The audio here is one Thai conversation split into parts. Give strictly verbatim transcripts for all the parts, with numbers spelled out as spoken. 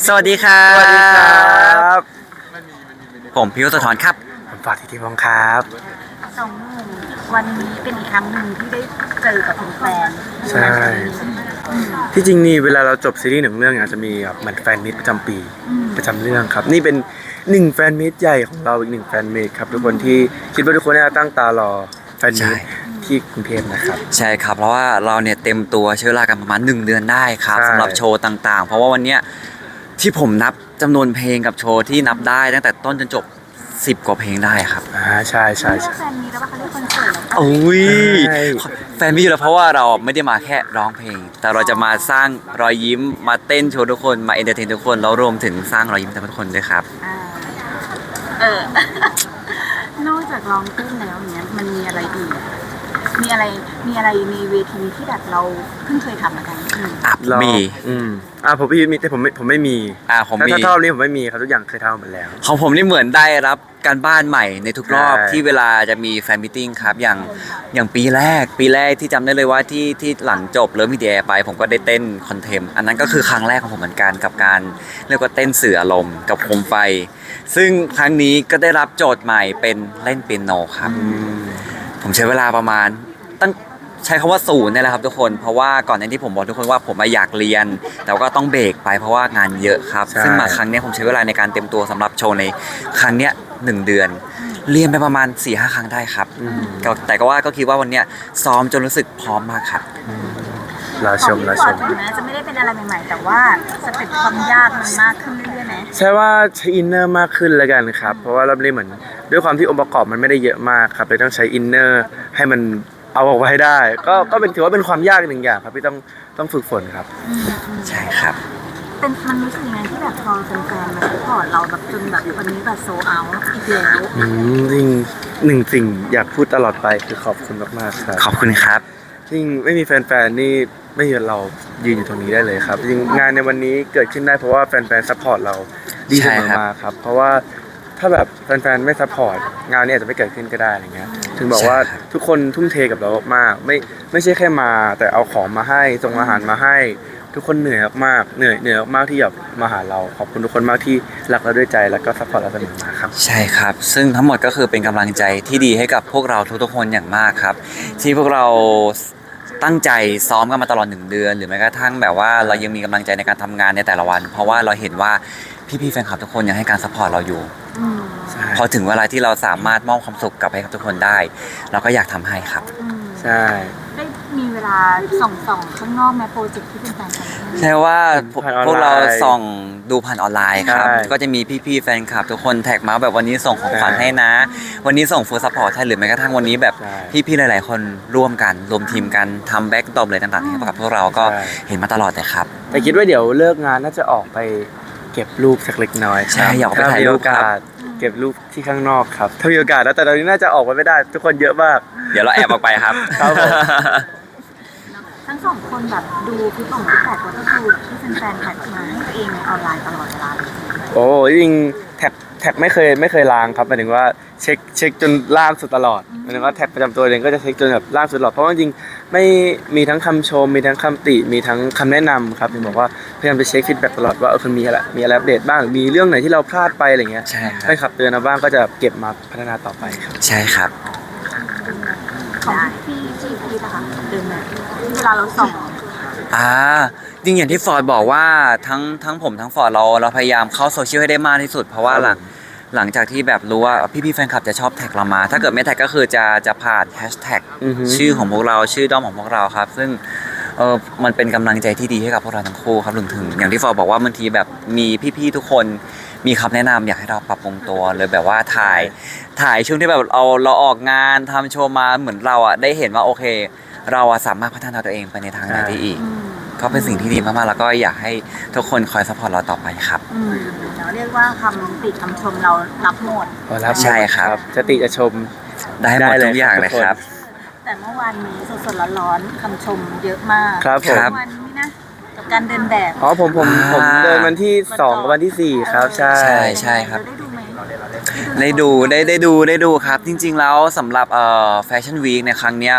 สวัสดีครับสวัสดีครับผมพิวสะท้อนครับผมฝากทีทีพงศ์ครับสองหนุ่มวันนี้เป็นอีกครั้งหนึ่งที่ได้เจอกับแฟนใช่ที่จริงนี่เวลาเราจบซีรีส์หนึ่งเรื่องอาจจะมีแบบเหมือนแฟนมิตประจำปีประจำเรื่องครับนี่เป็นหนึ่งแฟนมิตใหญ่ของเราอีกหนึ่งแฟนมิตครับทุกคนที่คิดว่าทุกคนน่าตั้งตารอแฟนมิตที่กรุงเทพนะครับใช่ครับเพราะว่าเราเนี่ยเต็มตัวใช้เวลากันประมาณหนึ่งเดือนได้ครับสำหรับโชว์ต่างๆเพราะว่าวันเนี้ยที่ผมนับจำนวนเพลงกับโชว์ที่นับได้ตั้งแต่ต้นจนจบสิบกว่าเพลงได้ครับอ่าใช่ใช่ใช่แฟนมีแล้วว่าเขาเรียกคอนเสิร์ตแล้วโอ้ยแฟนมีอยู่แล้วเพราะว่าเราไม่ได้มาแค่ร้องเพลงแต่เราจะมาสร้างรอยยิ้มมาเต้นโชว์ทุกคนมาเอนเตอร์เทนทุกคนแล้วรวมถึงสร้างรอยยิ้มให้ทุกคนด้วยครับเออนอกจากร้องเต้นแล้วเนี้ยมันมีอะไรอีกมีอะไรมีอะไรในเวทีที่แบบเราเพิ่งเคยทำเหมือนกันอับมีอืมอ่าผมพี่มีแต่ผมไม่ผมไม่มีอ่าผมมีถ้าเท่านี้ผมไม่มีครับทุกอย่างเคยทำหมดแล้วของผมนี่เหมือนได้รับการบ้านใหม่ในทุกรอบที่เวลาจะมีแฟนมิทติ้งครับอย่างอย่างปีแรกปีแรกที่จำได้เลยว่าที่ที่หลังจบเลิฟมีเดียไปผมก็ได้เต้นคอนเทมอันนั้นก็คือครั้งแรกของผมเหมือนกันกับการเรียกว่าเต้นสื่ออารมณ์กับโคมไฟซึ่งครั้งนี้ก็ได้รับโจทย์ใหม่เป็นเล่นเปียโนครับผมใช้เวลาประมาณตั้งใช้คำว่าศูนย์นี่แหละครับทุกคนเพราะว่าก่อนหน้าที่ผมบอกทุกคนว่าผมอยากเรียนแต่ก็ต้องเบรกไปเพราะว่างานเยอะครับซึ่งมาครั้งนี้ผมใช้เวลาในการเตรียมตัวสำหรับโชว์ในครั้งนี้หนึ่งเดือนเรียนไปประมาณ สี่ห้า ครั้งได้ครับแต่ก็ว่าก็คิดว่าวันนี้ซ้อมจนรู้สึกพร้อมมากครับรอชมรอชมถึงแม้จะไม่ได้เป็นอะไรใหม่ๆแต่ว่าสเต็ปความยากมันมากขึ้นเรื่อยๆไหมใช่ว่าใช้อินเนอร์มากขึ้นแล้วกันครับเพราะว่าเราเรียนเหมือนด้วยความที่องค์ประกอบมันไม่ได้เยอะมากครับเลยต้องใช้อินเนอร์ให้มันเอาออกมาให้ได้ก็ก็เป็นถือว่าเป็นความยากหนึ่งอย่างครับที่ต้องต้องฝึกฝนครับใช่ครับเป็นมันรู้สึกยังไงที่แบบพอเป็นแฟนมาซัพพอร์ตเราแบบจนแบบวันนี้แบบโซเอาอีกแล้วอืมจริงหนึ่งสิ่งอยากพูดตลอดไปคือขอบคุณมากๆครับขอบคุณครับจริงไม่มีแฟนๆนี่ไม่มีเรายืนอยู่ตรงนี้ได้เลยครับจริงงานในวันนี้เกิดขึ้นได้เพราะว่าแฟนๆซัพพอร์ตเราดีเสมอมาครับเพราะว่าถ้าแบบแฟนๆไม่ซัพพอร์ตงานนี้อาจจะไม่เกิดขึ้นก็ได้อะไรเงี้ยถึงบอกว่าทุกคนทุ่มเทกับเรามากไม่ไม่ใช่แค่มาแต่เอาของมาให้ส่งอาหารมาให้ทุกคนเหนื่อยมากเหนื่อยเหนื่อยมากที่แบบมาหาเราขอบคุณทุกคนมากที่รักเราด้วยใจแล้วก็ซัพพอร์ตเราเสมอมาครับใช่ครับซึ่งทั้งหมดก็คือเป็นกำลังใจที่ดีให้กับพวกเราทุกๆคนอย่างมากครับที่พวกเราตั้งใจซ้อมกันมาตลอดหนึ่งเดือนหรือแม้กระทั่งแบบว่าเรายังมีกำลังใจในการทำงานในแต่ละวันเพราะว่าเราเห็นว่าพี่ๆแฟนคลับทุกคนยังให้การซัพพอร์ตเราอยู่พอถึงเวลาที่เราสามารถมอบความสุขกลับให้กับทุกคนได้เราก็อยากทำให้ครับใช่ได้มีเวลาส่องส่องข้างนอกแม้โปรเจกต์ที่เป็นแฟนกันใช่ว่าพวกเราส่องดูผ่านออนไลน์ครับก็จะมีพี่ๆแฟนคลับทุกคนแท็กมาแบบวันนี้ส่งของขวัญให้นะวันนี้ส่งฟู้ดซัพพอร์ตให้หรือแม้กระทั่งวันนี้แบบพี่ๆหลายๆคนร่วมกันรวมทีมกันทำแบ็กดรอปเลยต่างๆให้กับพวกเราก็เห็นมาตลอดเลยครับแต่คิดว่าเดี๋ยวเลิกงานน่าจะออกไปเก็บรูปสักเล็กน้อยใช่อยากไปถ่ายรูปครับเก็บรูปที่ข้างนอกครับถ้ามีโอกาสแล้วแต่ตอนนี้น่าจะออกไปไม่ได้ทุกคนเยอะมากเดี๋ยวเราแอบออกไปครับครับผมทั้งสองคนแบบดูคลิปของพี่แท็กก็คือที่แฟนๆแท็กมาให้ตัวเองในออนไลน์ตลอดเวลาเลยโอ้จริงแท็กแท็กไม่เคยไม่เคยล้างครับหมายถึงว่าเช็คเช็คจนล่างสุดตลอดหมายถึงว่าแท็กประจำตัวเองก็จะเช็คจนแบบล่างสุดตลอดเพราะว่าจริงไม่มีทั้งคำชมมีทั้งคำติมีทั้งคำแนะนำครับถึงบอกว่าพยายามไปเช็คฟีดแบ็กตลอดว่าเออคุณมีอะไรมีอะไรอัปเดตบ้างมีเรื่องไหนที่เราพลาดไปอะไรเงี้ยใช่ครับให้ขับเตือนมาบ้างก็จะเก็บมาพัฒนาต่อไปครับใช่ครับของพี่จีพีนะคะเดินแบบเวลาเราส่องอ่าจริงอย่างที่ฟอร์ดบอกว่าทั้งทั้งผมทั้งฟอร์ดเราเราพยายามเข้าโซเชียลให้ได้มากที่สุดเพราะว่าหลังหลังจากที่แบบรู้ว่าพี่ๆแฟนคลับจะชอบแท็กเรามาถ้าเกิดไม่แท็กก็คือจะจะผ่านแฮชแท็กชื่อของพวกเราชื่อด้อมของพวกเราครับซึ่งเออมันเป็นกำลังใจที่ดีให้กับพวกเราทั้งคู่ครับรวมถึงอย่างที่ฟอร์ดบอกว่าบางทีแบบมีพี่ๆทุกคนมีคำแนะนำอยากให้เราปรับปรุงตัวเลยแบบว่าถ่ายถ่ายช่วงที่แบบเราเราออกงานทำโชว์มาเหมือนเราอ่ะได้เห็นว่าโอเคเราสามารถพัฒนาตัวเองไปในทางไหนได้อีกก็เป็นสิ่งที่ดีมากๆแล้วก็อยากให้ทุกคนคอยซัพพอร์ตเราต่อไปครับอืมเราเรียกว่าคำติคำชมเรารับหมดใช่ครับจะติจะชมได้หมดทุกอย่างเลยครับแต่เมื่อวานนี้สดๆร้อนๆคำชมเยอะมากครับผมวันนี้นะกับการเดินแบบอ๋อผมผมผมเดินวันที่สองกับวันที่สี่ครับใช่ใช่ใช่ครับได้ดูได้ได้ดูได้ดูครับจริงๆแล้วสำหรับเอ่อแฟชั่นวีคในครั้งเนี้ยผ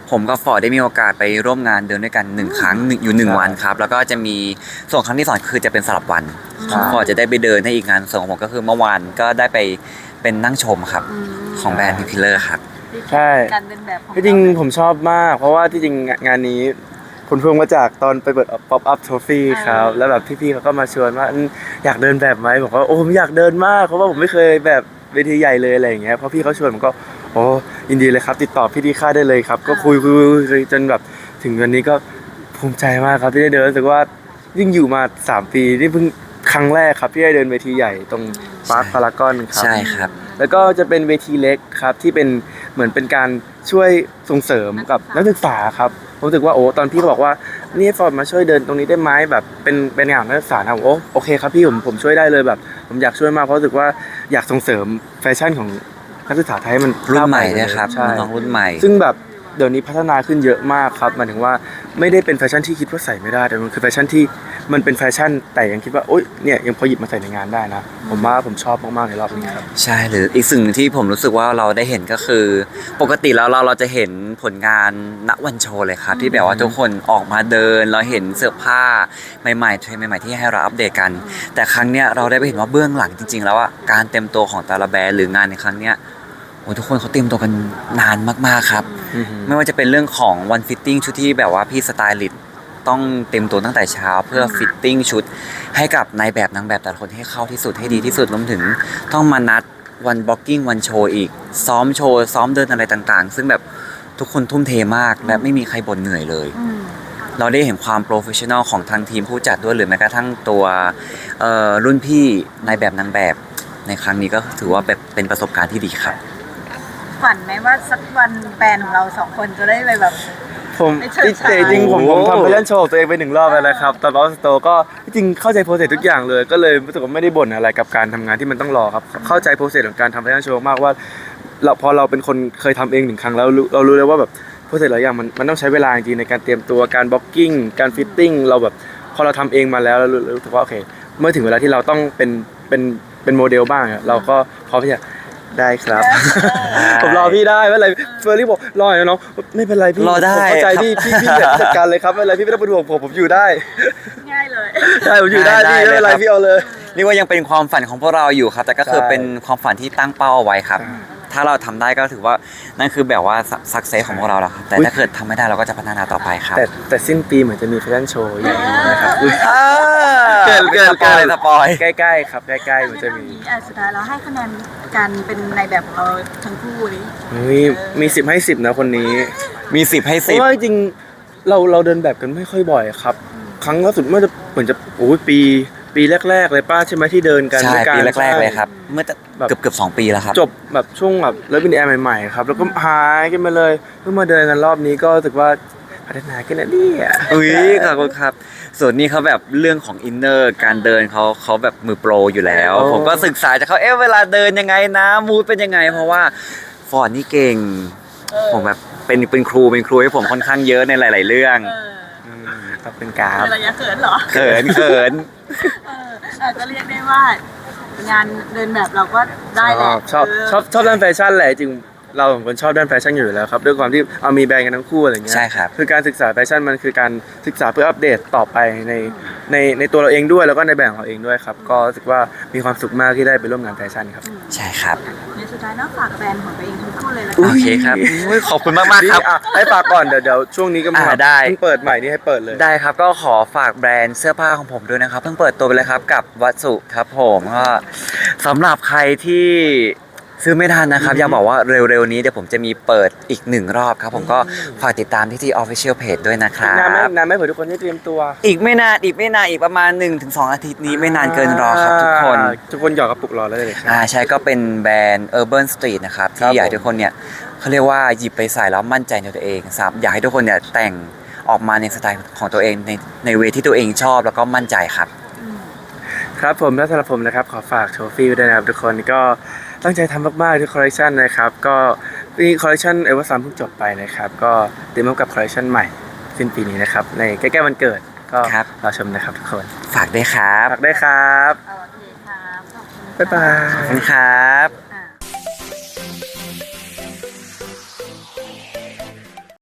ผมกับฟอร์ดได้มีโอกาสไปร่วมงานเดินด้วยกันหนึ่งครั้งหนึ่งอยู่หนึ่งวันครับแล้วก็จะมีส่วนครั้งที่สองคือจะเป็นสลับวันฟอร์ดจะได้ไปเดินให้อีกงานส่วนของผมก็คือเมื่อวานก็ได้ไปเป็นนั่งชมครับอืมของแบรนด์พิพิเลอร์ครับใช่การเดินแบบของที่จริงผมชอบมาก เพราะว่าที่จริงงานนี้ผลพวงมาจากตอนไปเปิด pop up trophy ครับแล้วแบบพี่ๆเขาก็มาชวนว่าอืมอยากเดินแบบไหมผมก็โอ้ผมอยากเดินมากเพราะว่าผมไม่เคยแบบเวทีใหญ่เลยอะไรอย่างเงี้ยพอพี่เขาชวนผมก็โอ้ยินดีเลยครับ ติดต่อพี่ดีค่าได้เลยครับ ก็คุยคุยคุยจนแบบถึงวันนี้ก็ภูมิใจมากครับที่ได้เดินรู้สึกว่ายิ่งอยู่มาสามปีนี่เพิ่งครั้งแรกครับที่ได้เดินเวทีใหญ่ตรงปาร์คพารากอนครับใช่ครับแล้วก็จะเป็นเวทีเล็กครับที่เป็นเหมือนเป็นการช่วยส่งเสริมกับนักศึกษาครับผมรู้สึกว่าโอ้ตอนพี่เขาบอกว่านี่ฟอร์ดมาช่วยเดินตรงนี้ได้ไหมแบบเป็นเป็นงานนักศึกษานะผมโอ้โอเคครับพี่ผมผมช่วยได้เลยแบบ ผมอยากช่วยมากเพราะรู้สึกว่าอยากส่งเสริมแฟชั่นของนักศึกษาไทยให้มันรุ่นใหม่ก้าวไปด้วยครับใช่น้องรุ่นใหม่ซึ่งแบบเดี๋ยวนี้พัฒนาขึ้นเยอะมากครับหมายถึงว่าไม่ได้เป็นแฟชั่นที่คิดว่าใส่ไม่ได้แต่มันคือแฟชั่นที่มันเป็นแฟชั่นแต่ยังคิดว่าโอ๊ยเนี่ยยังพอหยิบมาใส่ในงานได้นะผมว่าผมชอบมากๆในรอบนี้ครับใช่หรืออีกสิ่งที่ผมรู้สึกว่าเราได้เห็นก็คือ ปกติแล้วเราเราจะเห็นผลงานณวันโชว์เลยครับ ที่แบบว่าทุกคนออกมาเดิน เราเห็นเสื้อผ้าใหม่ๆเทรนด์ใหม่ๆที่ให้เราอัปเดตกัน แต่ครั้งเนี้ยเราได้ไปเห็นว่าเบื้องหลังจริงๆแล้วอ่ะการเต็มตัวของแต่ละแบรนด์หรืองานในครั้งเนี้ยโอ้ทุกคนเขาเตรียมตัวกันนานมากๆครับ ไม่ว่าจะเป็นเรื่องของวันฟิตติ้งชุดที่แบบว่าพี่สไตลิสต์ต้องเต็มตัวตั้งแต่เช้าเพื่อฟิตติ้งชุดให้กับนายแบบนางแบบแต่ละคนให้เข้าที่สุดให้ดีที่สุดรวมถึงต้องมานัดวันบล็อกกิ้งวันโชว์อีก ซ้อมโชว์ซ้อมเดินอะไรต่างๆ ซึ่งแบบทุกคนทุ่มเทมากและไม่มีใครบ่นเหนื่อยเลยอืมเราได้เห็นความโปรเฟชชั่นอลของทางทีมผู้จัดด้วยหรือแม้กระทั่งตัวเอ่อรุ่นพี่นายแบบนางแบบในครั้งนี้ก็ถือว่าแบบเป็นประสบการณ์ที่ดีครับฝันไหมว่าสักวันแบรนด์ของเราสองคนจะได้ไปแบบผมไม่เชิงจริงจริงๆผมผมโอ้ทำไปเล่นโชว์ตัวเองไปหนึ่งรอบแล้วนะครับตอนบอสโตก็จริงๆเข้าใจโปรเซสทุกอย่างเลย ก็เลยรู้สึกว่าไม่ได้บ่นอะไรกับการทำงานที่มันต้องรอครับเข้าใจโปรเซสของการทำแฟชั่นโชว์มากว่าเราพอเราเป็นคนเคยทำเองหนึ่งครั้งแล้วรู้เรารู้เลยว่าแบบโปรเซสหลายอย่างมันมันต้องใช้เวลาจริงๆในการเตรียมตัวการบล็อกกิ้งการฟิตติ้งเราแบบพอเราทำเองมาแล้วเรารู้รู้สึกว่าโอเค เมื่อถึงเวลาที่เราต้องเป็นเป็นเป็นโมเดลบ้างอะเราก็พร้อมที่จะได้ครับ ผมรอพี่ได้ไม่เป็นไรเฟอร์รี่บอกรอหน่อยนะน้องไม่เป็นไรพี่รอได้ผมเข้าใจครับพี่พี่พี่จัดการเลยครับไม่เป็นไรพี่ไม่ต้องเป็นห่วงผมผมอยู่ได้ง่ายเลยใช่ผมอยู่ได้ได้พี่ไม่เป็นไรได้ครับพี่เอาเลยเรียกว่ายังเป็นความฝันของพวกเราอยู่ครับ แต่ก็คือใช่เป็นความฝันที่ตั้งเป้าเอาไว้ครับใช่ถ้าเราทำได้ก็ถือว่านั่นคือแบบว่าสักเซสของพวกเราแล้วครับ แต่อุ๊ยถ้าเกิดทำไม่ได้เราก็จะพัฒนาต่อไปครับแต่แต่สิ้นปีเหมือนจะมีแฟชั่นโชว์ใหญ่นะครับอุ๊ยอ่าเกินเกินสปอยเกินสปอยใกล้ๆครับใกล้ๆเหมือนจะมีอ่ะสุดท้ายเราให้คะแนนการเป็นในแบบของเราทั้งคู่นี้มีมีสิบให้สิบนะคนนี้มีสิบให้เพสิบราะว่าจริงๆเราเราเดินแบบกันไม่ค่อยบ่อยครับ ครั้งล่าสุดเมื่อจะเหมือนจะโอ้ยปีปีแรกๆเลยป้าใช่ไหมที่เดินกันใช่ด้วยกันปีแรกๆเลยครับ เมื่อแบบเกือบเกือบสองปีแล้วครับจบแบบช่วงแบบเลิฟบินแอร์ใหม่ๆครับแล้วก็หายกันมาเลยเพิ่งมาเดินกันรอบนี้ก็รู้สึกว่าพัฒนาขึ้นแล้วเนี่ยอุ้ยขอบคุณครับ ส่วนนี้เขาแบบเรื่องของอินเนอร์การเดินเขาเขาแบบมือโปรอยู่แล้ว ผมก็ศึกษาจากเขาเอ๊ะเวลาเดินยังไงนะมูดเป็นยังไง เพราะว่าฟอร์ดนี่เก่ง ผมแบบเป็นเป็นครูเป็นครูให้ผมค่อนข้างเยอะในหลาย ๆ เรื่องเออมครับเป็นกราฟเป็นระยะเขินเหรอเขินเขินเอออาจจะเรียกได้ว่างานเดินแบบเราก็ได้แหละชอบเชอบชอบด้านแฟชั่นแหละจริงเราสองคนชอบด้านแฟชั่นอยู่แล้วครับด้วยความที่เอามีแบรนด์กันทั้งคู่อะไรเงี้ยใช่ครับคือการศึกษาแฟชั่นมันคือการศึกษาเพื่ออัปเดตต่อไปในในในตัวเราเองด้วยแล้วก็ในแบรนด์ของเราเองด้วยครับก็รู้สึกว่ามีความสุขมากที่ได้ไปร่วมงานแฟชั่นครับใช่ครับในสุดท้ายเนอกฝากแบรนด์ของตัวเองทั้งคู่เลยละโอกันเคครับอุ๊ยขอบคุณมากมากๆครับอ่ะให้ฝากก่อนเดี๋ยวเดี๋ยวช่วงนี้ก็มาอ่าได้เพิ่งเปิดใหม่นี่ให้เปิดเลยได้ครับก็ขอฝากแบรนด์เสื้อผ้าของผมด้วยนะครับเพิ่งเปิดตัวไปเลยครับกับวัสุครับผมก็สำหรับใครที่ซื้อไม่ทันนะครับอยากบอกว่าเร็วๆนี้เดี๋ยวผมจะมีเปิดอีกหนึ่งรอบครับผมก็ฝากติดตามที่ที่ Official Page ด้วยนะครันานไหมบนานไหมเผื่อทุกคนได้เตรียมตัวอีกไม่นานอีกไม่นานอีกประมาณ หนึ่งถึงสอง อาทิตย์นี้ไม่นานเกินรอครับทุกคนอ่าทุกคนหยอกกระปุกรอแล้วเลยครับอ่าใช่ก็เป็นแบรนด์ Urban Street นะครับครัที่บอยากให้ผมทุกคนเนี่ยเขาเรียกว่าหยิบไปใส่แล้วมั่นใจในตัวเองครับอยากให้ทุกคนเนี่ยแต่งออกมาในสไตล์ของตัวเองในในเวที่ตัวเองชอบแล้วก็มั่นใจครับครับผมและสำหรับผมนะครับขอฝากโทฟี่ด้วยนะครับทุกคนก็ตั้งใจทำมากๆทุกคอลเลคชันนะครับก็นี่คอลเลคชันเอเวอร์ซัมเพิ่งจบไปนะครับก็เตรียมพบกับคอลเลคชันใหม่สิ้นปีนี้นะครับในใกล้ๆวันเกิดก็ครับรอชมนะครับทุกคนฝากด้วยครับฝากได้ครับโอเคครับขอบคุณค่ะบ๊ายบายขอบคุณครับ